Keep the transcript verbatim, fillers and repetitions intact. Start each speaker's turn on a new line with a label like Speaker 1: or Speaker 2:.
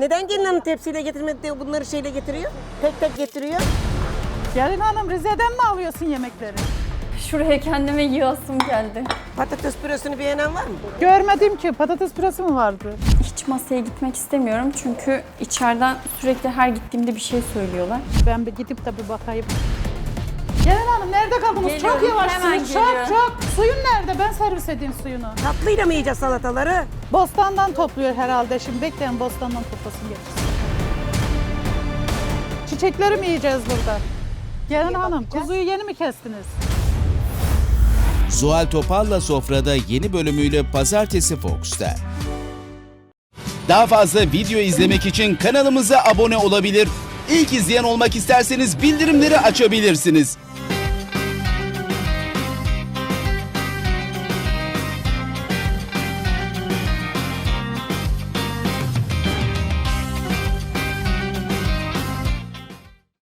Speaker 1: Neden gelin hanım tepsiyle getirmedi de bunları şeyle getiriyor? Tek tek getiriyor.
Speaker 2: Gelin hanım Rize'den mi alıyorsun yemekleri?
Speaker 3: Şuraya kendime yığasım geldi.
Speaker 1: Patates püresini beğenen var mı?
Speaker 2: Görmedim ki patates püresi mi vardı?
Speaker 3: Hiç masaya gitmek istemiyorum çünkü içeriden sürekli her gittiğimde bir şey söylüyorlar.
Speaker 2: Ben bir gidip de bir bakayım. Gelin hanım nerede kaldınız?
Speaker 3: Geliyorum,
Speaker 2: çok
Speaker 3: hemen
Speaker 2: yavaşsınız. Çok
Speaker 3: geliyorum.
Speaker 2: çok. Suyun nerede? Ben servis edeyim suyunu.
Speaker 1: Tatlıyla mı yiyeceğiz salataları?
Speaker 2: Bostandan topluyor herhalde. Şimdi bekleyin bostandan toplasın getirsin. Çiçekleri mi yiyeceğiz burada? Gelin hanım kuzuyu yeni mi kestiniz?
Speaker 4: Zuhal Topal'la Sofra'da yeni bölümüyle Pazartesi Fox'ta. Daha fazla video izlemek için kanalımıza abone olabilir. İlk izleyen olmak isterseniz bildirimleri açabilirsiniz.